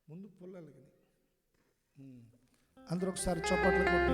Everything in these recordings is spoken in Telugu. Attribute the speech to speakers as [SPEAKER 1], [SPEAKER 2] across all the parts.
[SPEAKER 1] ముందు పుల్లలకి అందరూ ఒకసారి చప్పట్లు కొట్టి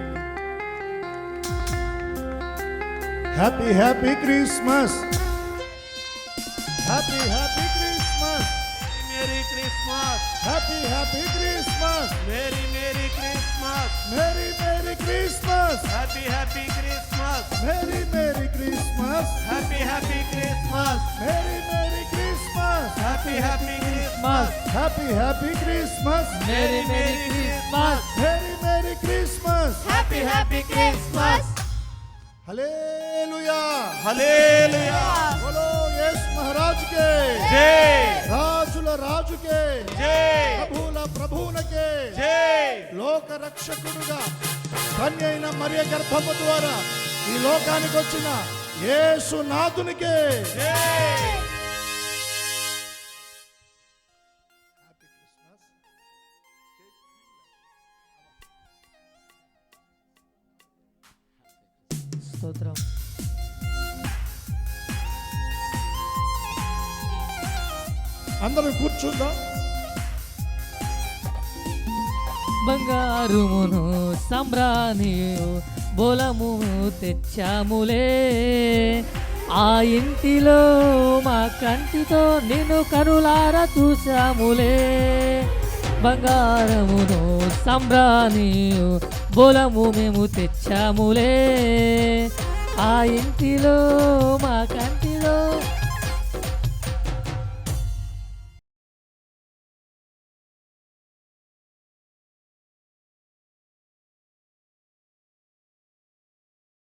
[SPEAKER 1] happy happy Christmas, happy happy Christmas,
[SPEAKER 2] merry Christmas,
[SPEAKER 1] happy happy Christmas,
[SPEAKER 2] merry merry Christmas,
[SPEAKER 1] merry merry Christmas,
[SPEAKER 2] happy happy Christmas,
[SPEAKER 1] merry merry Christmas,
[SPEAKER 2] happy happy Christmas,
[SPEAKER 1] merry merry Christmas,
[SPEAKER 2] happy happy Christmas,
[SPEAKER 1] happy happy Christmas,
[SPEAKER 2] merry merry Christmas,
[SPEAKER 1] merry merry Christmas,
[SPEAKER 2] happy happy Christmas.
[SPEAKER 1] Hallelujah
[SPEAKER 2] hallelujah,
[SPEAKER 1] బోలో యేసు మహారాజ్ కే
[SPEAKER 2] జై,
[SPEAKER 1] రాజుల రాజుకే
[SPEAKER 2] జై,
[SPEAKER 1] ప్రభువుల ప్రభువునకే
[SPEAKER 2] జై.
[SPEAKER 1] లోక రక్షకుడుగా కన్య అయిన మరియ గర్భము ద్వారా ఈ లోకానికి వచ్చిన యేసు నాథునికే
[SPEAKER 3] స్తోత్రం.
[SPEAKER 1] అందరం కూర్చుందాం.
[SPEAKER 3] బంగారుమును సంబ్రానియు బోలము తెచ్చాములే, ఆ ఇంటిలో మా కంటితో నిన్ను కనులారా చూసాములే. బంగారమును సంబ్రానియు బోలము మేము తెచ్చాములే, ఆ ఇంటిలో మా కంటిలో